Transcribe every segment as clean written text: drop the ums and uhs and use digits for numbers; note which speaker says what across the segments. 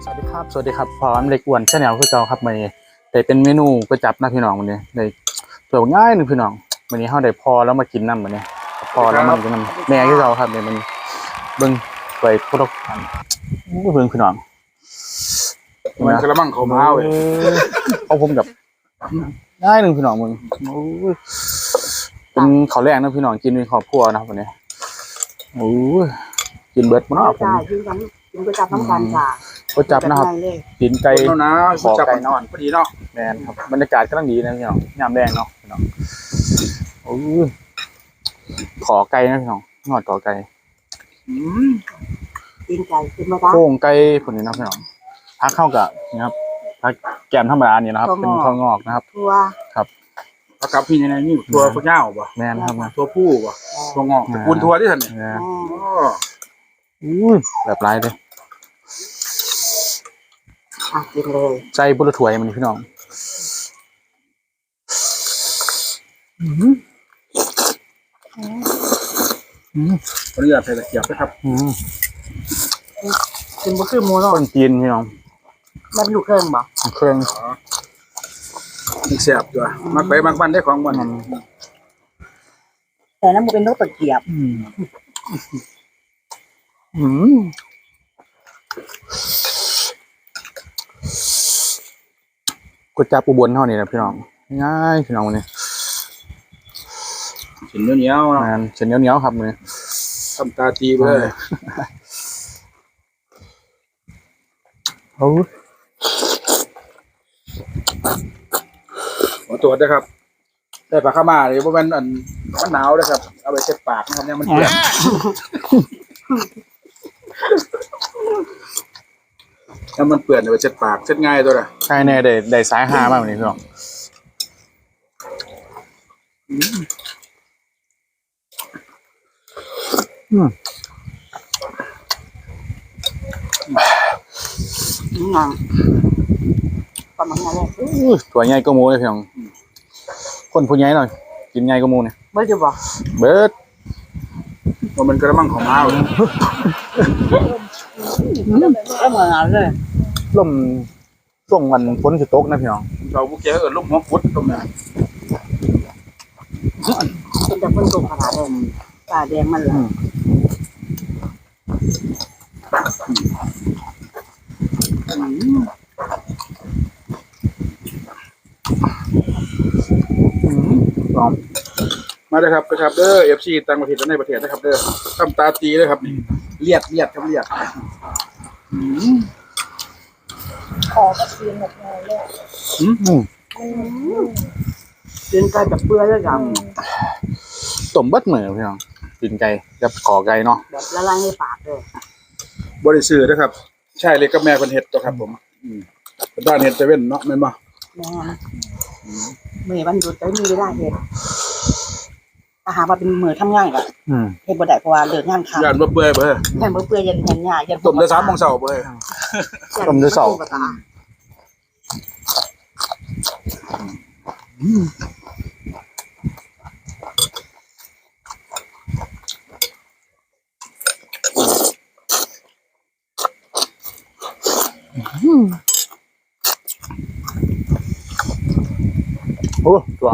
Speaker 1: สวัสดีครับพร้อมเล็กอ้วนชาแนลคือเก่าครับวันนี้ได้เป็นเมนูก๋วยจั๊บนะพี่น้องวันนี้ได้ตัวง่ายหนึ่งพี่น้องวันนี้เฮาได้พอแล้วมากินน้ำวันนี้พอแล้วมากินน้ำแม่คือเก่าครับเนี่ยมันเบิ่งไปพุทธคุณเบิ่งพี่น้อง
Speaker 2: มันกระมังเขามาเว้ย
Speaker 1: เอาผมกับง่ายหนึ่งพี่น้องมึงเป็นข้าวแรงนะพี่น้องกินในครอบครัวนะครับวันนี้กินเบิร์ดมั้งผม
Speaker 3: กินก๋วยจั๊บน้ำกันค่ะ
Speaker 1: ก๋วยจั๊บนะครับกินไก่ขอไก่นอน
Speaker 2: พอดีเนาะ
Speaker 1: แมนครับบรรยากาศก็ต้องดีนะพี่น้องยามแดงเนาะพี่น้องขอไก่นะพี่น้องงอดขอไก่
Speaker 3: กินไก่กินมาได้
Speaker 1: โค้งไก่ผลนี้นะพี่น้องพักเข้ากับนะครับพักแกมธรรมดานี่นะครับเป็นข้าวงอกนะครับ
Speaker 3: ทั่ว
Speaker 1: ครับ
Speaker 2: ผักกับพี่ในนี่ตัวพวกเจ้าป่ะ
Speaker 1: แมนครับ
Speaker 2: ตัวผู้ป่ะตัวงอกตระกูลทัวที่ท่านเนี่ย
Speaker 1: แบบไรเลย
Speaker 3: กินเลย
Speaker 1: ใจบุรุษถวยมันพี่น้อง
Speaker 2: ขออนุญาตใส่ตะเกียบนะครับ
Speaker 3: กินบุคือโมโน
Speaker 1: คนจีนพี่น้อง
Speaker 3: มันอยู่เครื่องบ่
Speaker 1: เครื่อง
Speaker 2: มันแซ่บตัวมักไปมักบ้านได้ของมัน
Speaker 3: แต่นั้นมันเป็นนกตะเกียบ
Speaker 1: ก๋วยจั๊บอุบลเท่านี้นะพี่น้องง่ายพี่น้องวันนี้
Speaker 2: เส้นเหนียว
Speaker 1: ๆเส้นเหนียวๆครับวันนี้
Speaker 2: ทำตาตีไปเลยขอตรวจนะครับได้ปลาข้ามาเลยเพราะมันหนาวนะครับเอาไปเช็ดปากนะครับเนี่ยมันเปื่อยถ้ามันเปื่อยเอาไปเช็ดปากเช็ดง่ายตัวละ
Speaker 1: ใช่แน่ได้สายหามากวันนี้พี่น้อง
Speaker 3: ประมาณนั้นเลย
Speaker 1: ตัวใหญ่ก็มูเลยพี่น้องคนผู้ใหญ่หน่อยกินใหญ่ก็มูเนี่ย
Speaker 3: เบิร์ดจะบอก
Speaker 1: เบิร์ด
Speaker 2: ว่ามันกระมังของม้าเลย
Speaker 3: ก็เหมือนกันเลย
Speaker 1: ลมช่วงวันฝนจะตกนะพี่น้อง
Speaker 2: เราพวกแกลมหัวฟุดตรงนี้
Speaker 3: เป็นแต่คนตกขนาดเลยตาแดงมันเลย
Speaker 2: มาเลยครับเด้อFCต่างประเทศและในประเทศนะครับเด้อทำตาตีเลยครับนี่เลียดครับเลียด
Speaker 3: ขอกระเทียมหมดเลยกินไก่แบบเปื่อยเลยจัง
Speaker 1: ต้มเบิดเหมือนพี่น้องกินไก่กับขอไก่เนาะ
Speaker 3: แบบละลายในปากเลย
Speaker 2: บริสุทธิ์นะครับใช่เลยกับแม่คนเห็ดตัวครับผมบ้านเห็ดจะเว้นเนาะแม่นบ่
Speaker 3: แม่เมื่อวันหยุดได้มีเวลาเห็ดอาหารมาเป็นมือทำงานกันเห็ดบ่ได้เพราะว่าเลิกงานค่ำ
Speaker 2: ย่านบ่เปื่อยเบ้อ
Speaker 3: แม่บ่เปื่อยยันหญ้ายัน
Speaker 2: ต้มได้3 โมงเช้าเบ้อ
Speaker 1: ต้มได้2โอ้ตัว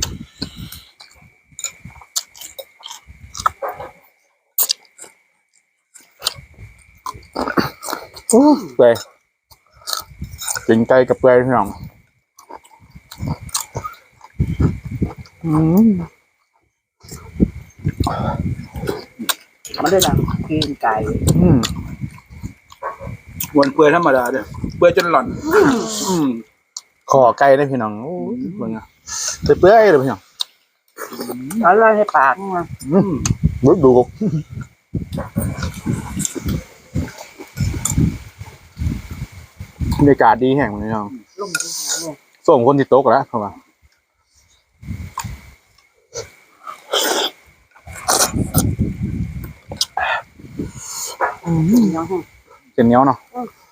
Speaker 1: เปื่อยกินไก่กับเปื่อยพี่น้อง
Speaker 3: มันได้ดังกินไก่
Speaker 2: วนเปื่อยธรรมดาเด้อเปื่อยจนหล่อน
Speaker 1: ขอไก่ได้พี่น้องโอ้ยเบิ่งอ่ะเปื่อยเลยพี่น้อง
Speaker 3: ละลายในปากมัน
Speaker 1: บึ้ดูบรรยากาศดีแห่งพี่น้องส่งคนที่โต๊ะแล้วเข้ามาเป็นเหนียวเนาะ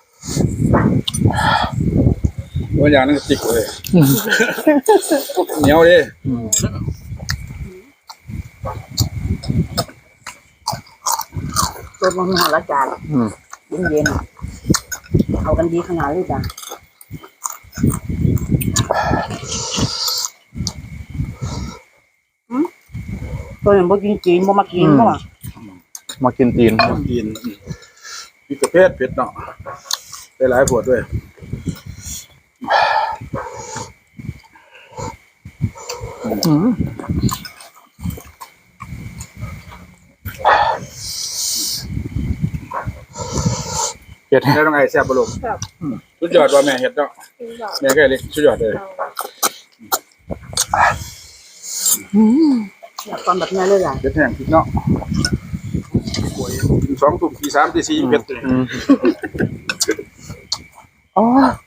Speaker 2: ตัวอย่างนั้นจิกเลยเหนียวดิ
Speaker 3: ตัวมันหาละจานเย็นเข้ากันดีขนาดเลยจ้ะตัวอย่างบ่กินจีนบ่มากินบ่
Speaker 1: มากินตีน
Speaker 2: กินมีประเภทเผ็ดเนาะได้หลายผดด้วย
Speaker 1: เผ็ด
Speaker 2: ได้ต้องไงแซ่บบ่ลูกสุดยอดว่าแม่เฮ็ดเนาะแม่ก็เล็กสุดยอดเลย
Speaker 3: อยากตอนแบบนี้เลยอ่ะ
Speaker 2: เผ็ดแห้งพริกเนาะโอ้ย2 ทุ่มตี 3 ตี 4เผ็ดเลย
Speaker 1: อ๋อ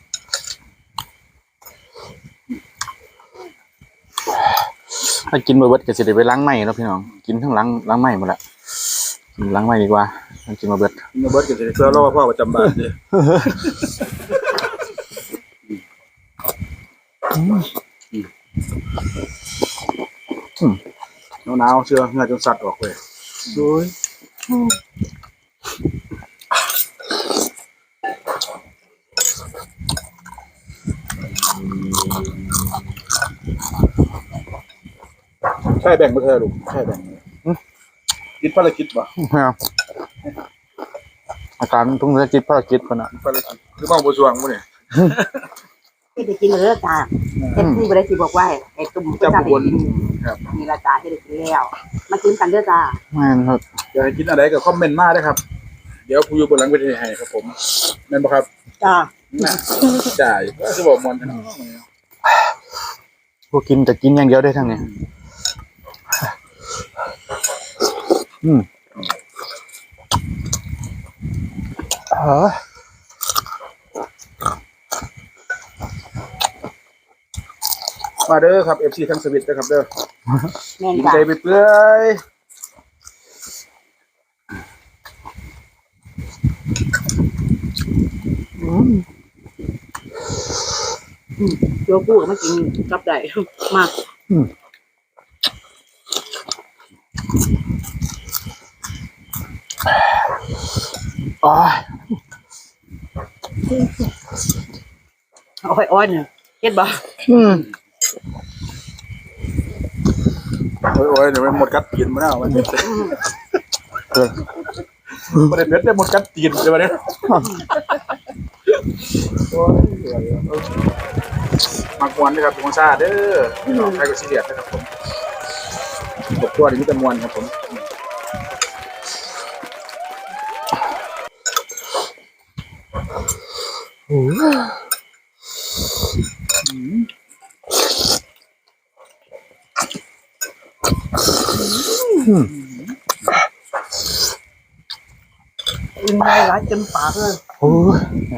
Speaker 1: ถ้ากินมาเบิดก็สิได้ไปล้างไม้เนาะพี่น้องกินทั้งล้างไม้หมดละกินล้างไม้ดีกว่ากินมาเบิด
Speaker 2: กินเบิดก็สิได้เพื่อรอพ่อประจำบ้านเด้หนาวๆเสื้อเหงื่อจนสัดออกเลยโอ้ยใช่แบ่งบ่เธอลูกใช่แบ่งคิดภารกิจบ่
Speaker 1: ไม่เอาอาการทุ่งจะจิตภารกิจคนน่ะ
Speaker 2: ภารกิจคือเมาบ่สวงบ่เนี่ย
Speaker 3: เฮ็ดได้กินเลยจ้ะเฮ็ดที่บ่ได้สิบอกว่าไอ้ตุ่ม
Speaker 2: จำบนครับ
Speaker 3: มีละจ้ะเฮ็ดได้กินแล้วมากินกันเด้อจ้ะ
Speaker 1: ไม่ครับ
Speaker 2: อยากให้กินอะไรก็คอมเมนต์มาได้ครับ เดี๋ยวผู้อยู่บนหลังเวทีให้ครับผมแม่นบ่ครับ
Speaker 3: จ้ะ
Speaker 2: น่ะจ่ายก็คือบอกมอนกันเนาะ
Speaker 1: พวกกินแต่กินอย่างเดียวได้ทั้งนี้อ๋อ
Speaker 2: มาเด้อครับ FC ทั้งสวิตนะครับเด้อ
Speaker 3: แม่น
Speaker 2: กิน
Speaker 3: จ้ะ
Speaker 2: ใจไปเปื่อย
Speaker 3: โยกูก็มากินกับได้มา
Speaker 1: อ๋อ
Speaker 3: อ้อยๆเนี่ยเฮ็ดบ่
Speaker 2: โอ้ยเดี๋ยวมันหมดกัดตีนมาแล้วมันบ่ได้เผ็ดได้หมดกัดตีนเดี๋ยวมาเด้อโอ้ยมากวนเด้อครับทุกคนซ่าเด้อพี่น้องใครก็สิเรียสนะครับผมกดตัวนี่มีแต่มวนครับผม
Speaker 3: กินได้หลายจนปากเลย
Speaker 1: โอ้ย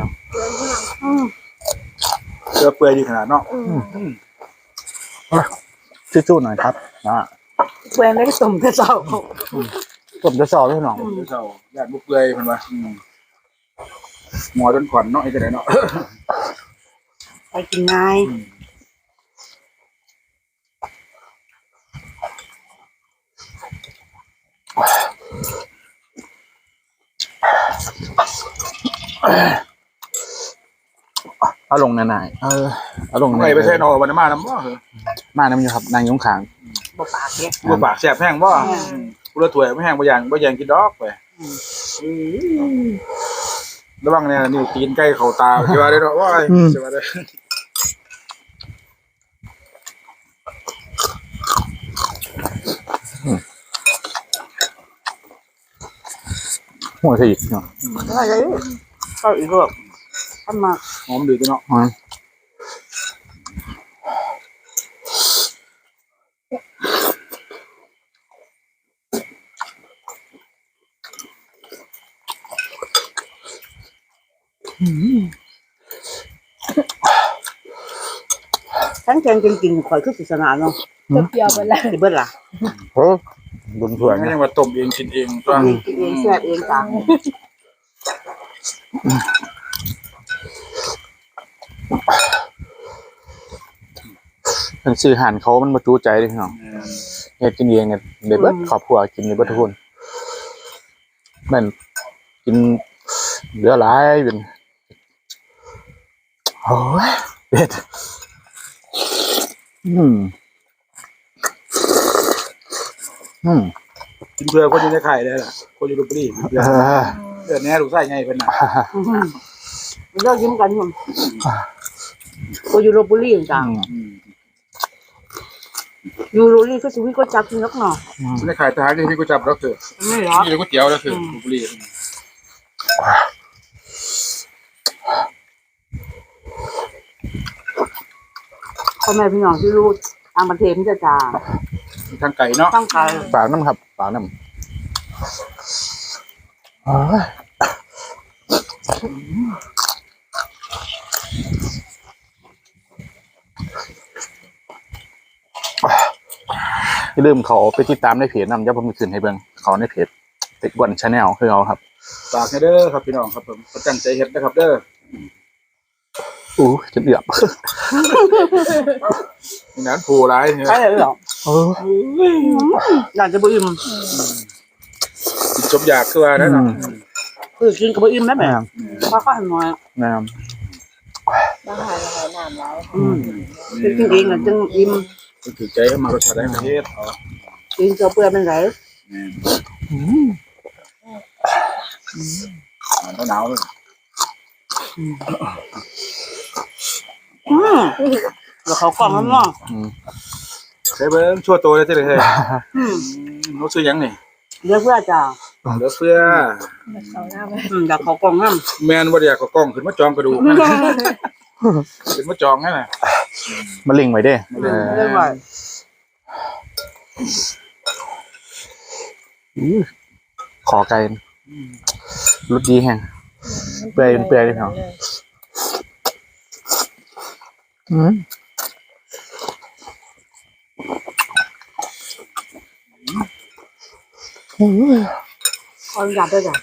Speaker 2: เสื้อเปื่อยดีขนาดเนาะ
Speaker 1: สู้ๆหน่อยครับนะ
Speaker 3: แฟนได้ตุ่มแต่เช้า
Speaker 1: ผมจะสอบพี่น้อง
Speaker 2: เจ้าญาติบุกเปื่อยเพิ่นว่าหมอจนขวัญเนาะไอ้จังได๋เนาะ
Speaker 3: ไปกินง่าย
Speaker 1: เอาลงหน่อยเอาลง
Speaker 2: ไปใส่นอวันมาน้ำบ่เหรอ
Speaker 1: มาน้ำอยู่ครับนางยงขาง
Speaker 3: บ่ปากเด้
Speaker 2: บ่ปากแสบแห้งบ่กูละถ้วยไม่แห้งบ่อย่างกินดอกไประวังเนี่ยนิ้วตีนใกล้เข้าตาสิว่าได้เนาะว้ายสิว่าได้
Speaker 1: หัวสีเนาะ
Speaker 3: ได้เลยก็อีกรอบทำมา
Speaker 2: หอมดีตัวเนาะ
Speaker 3: ทั้งแกงจริงๆข่อยคือศิษนาเนาะ
Speaker 4: เปรี้ยวไปแล้ว
Speaker 3: สิเบิดล่ะ
Speaker 1: โอ้บุญสวย
Speaker 2: ไม่
Speaker 1: นะ
Speaker 2: ยังว่าต้มเองกินเองตัว
Speaker 3: กินเองแซ่บเองจ้ะ
Speaker 1: เป็นซื้ออาหารเขามันมาจูใจเลยพี่น้องเฮ็ดกินเองเนี่ยเด็ดเบิดครอบครัวกินเด็ดเบิดทุกคนนั่นกินเหลือหลายเป็นโอ้ยเผ็ดอืม
Speaker 2: กินเพื่อคนอยู่ในไข่ได้ล่ะคนอยู่ลพบุรีกินเพื่อเดือนนี้ลูกไส้ไงเป็นน่ะ
Speaker 3: มันเลิกยิ้มกันอยู่กูอยู่ลพบุรีจ้ะอยู่ลพบุรีก็ชีวิตก็จับกินนักหน่อ
Speaker 2: ในไข่ทหารที่พี่กูจับแล้วคือ
Speaker 3: ไม่หรอ
Speaker 2: นี่เลยก๋วยเตี๋ยวแล้วคือลพบุรี
Speaker 3: พ่อแม่พี่น้องที่รู้ทางประเทศมันจะจ่า
Speaker 2: ทางไก่เนาะ
Speaker 3: ตั้งใจ
Speaker 1: ปากน้ำครับปากน้ำโอ้ยอย่าลืมเขาไปติดตามในเพจนำเดี๋ยวผมจะขึ้นให้เบิ่งเขาในเพจเด็กวันชาแนลคือเขาครับ
Speaker 2: ฝากให้เด้อครับพี่น้องครับผมประจังใจเฮ็ดนะครับเด้อ
Speaker 1: อู้จะเดือบ
Speaker 2: นี่นั้นผูร้ายเนี่ย
Speaker 3: ใช่เลยเหรอ
Speaker 1: เออ
Speaker 3: อยากจะบุอิ่ม
Speaker 2: กินจบอยากคือว่านั่นน่ะ
Speaker 3: คือกินกับบุอิ่มได้ไหมเพราะข้าวน้อย
Speaker 1: น้
Speaker 4: บ้านหายน้ำร้าย
Speaker 3: กินเองจึงอิ่ม
Speaker 2: ถือใจเข้ามารสชาติได้ประเทศเอา
Speaker 3: กินเกลือเปลือกเป็นไร
Speaker 2: หนาวเลย
Speaker 3: แล้วเขากล่องมันเนาะ
Speaker 2: ใช้เบิ้งชั่วโตเลยเจ้าเลยเขาซื้อยังนี่
Speaker 3: เรียกเพื่อจ้า
Speaker 2: เหลือเฟือ
Speaker 4: เขาหน้าไป
Speaker 3: อยากเขากล่องน้
Speaker 2: แมนบ่ได้อยากก็กล้องขึ้นมาจองกระดูกนะขึ้นมาจองนั่นน่ะ
Speaker 1: ำมาลิงไว้เด้
Speaker 3: ำเรียกว่า
Speaker 1: ขอไก่รสดีแห้งเปื่อยเลยเนาะ
Speaker 3: ขออนุญาตด้วยจ้ะ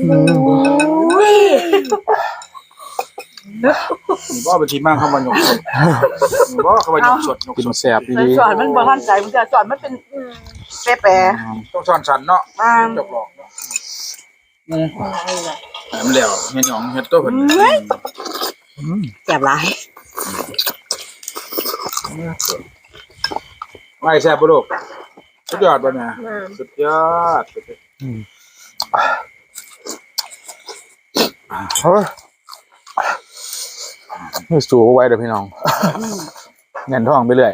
Speaker 2: บ่เป็นทีมากเข้ามาหยกสดบ่เข้ามาหยกสดหยก
Speaker 1: กิน
Speaker 2: สด
Speaker 1: แซ่บ
Speaker 3: ใน
Speaker 1: ดี
Speaker 3: สอนมันบ่ทันใจมันจะสอนมันเป็นแปร
Speaker 2: ต้องซ่อนสันเนาะ
Speaker 3: ๆ
Speaker 2: จบหลอกเนาะมันแล้วเฮ็ดหยองเฮ็ดตัวเพิ่น
Speaker 3: แซ่บหลาย
Speaker 2: ไม่แซ่บบ่ลูกสุดยอดบ่เนี่ยสุดยอด
Speaker 1: เฮ้ยไม่สูไว้เดี๋ยวพี่น้องเงินทองไปเรื่อย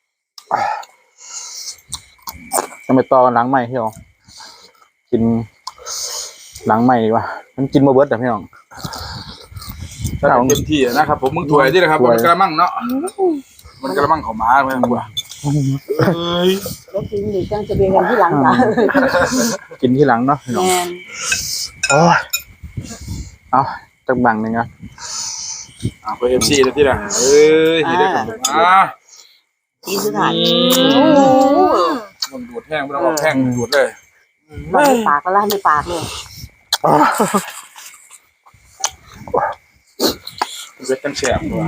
Speaker 1: จะไปต่อกันหลังใหม่พี่น้องกินหลังใหม่ดีกว่ามันกินมาเบิร์ดแต่พี่น้อง
Speaker 2: ถ้าเต็มที่นะครับผมมึงถวยที่นะครับมันกระมังเนาะมันกระมังของหมาไม่ต้องกลัวเอ้ย
Speaker 3: แล้วกินหรือจังจะเบียกันที่หลังจ้ะ
Speaker 1: กินที่หลังเนาะพี่น้อง
Speaker 3: แม่น
Speaker 1: โอ้ยเอาจักบังหนึ่งอ่ะ
Speaker 2: ไป FC แล้วที่น่ะเอ้ยเฮ็ดได้กับ
Speaker 3: กินสุดท้าย
Speaker 2: มันดูดแห้งบ่ต้องเอาแห้งดูดเลย
Speaker 3: ไม่ปากก็ล่าไม่ปากเลย
Speaker 2: เวทกันแฉบตัว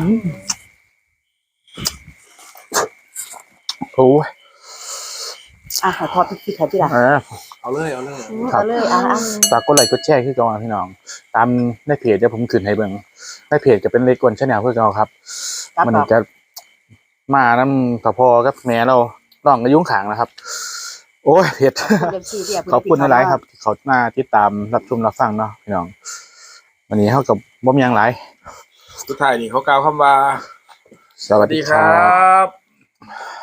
Speaker 1: โอ้ย
Speaker 3: ขอทอดพริกไทยที่หลัง
Speaker 2: เอาเลย
Speaker 3: เอาเลย
Speaker 1: ฝากกดไลค์กดแชร์คือเก่าพี่น้องตามในเพจเดี๋ยวผมขึ้นให้เบิ่งในเพจจะเป็นเล็กกวนชาแนลคือเก่าครับมันจะมาน้ำตะพอกับแม่เราลองกระยุ่งขางนะครับ โอ้ยเผ็ดขอบคุณหลายๆครับที่เขามาติดตามรับชมรับฟังเนาะพี่น้องวันนี้เท่ากับบ่มีหยังหลาย
Speaker 2: สุดท้ายนี่เขากล่าวคำว่า
Speaker 1: สวัสดีครั
Speaker 2: ครับ บ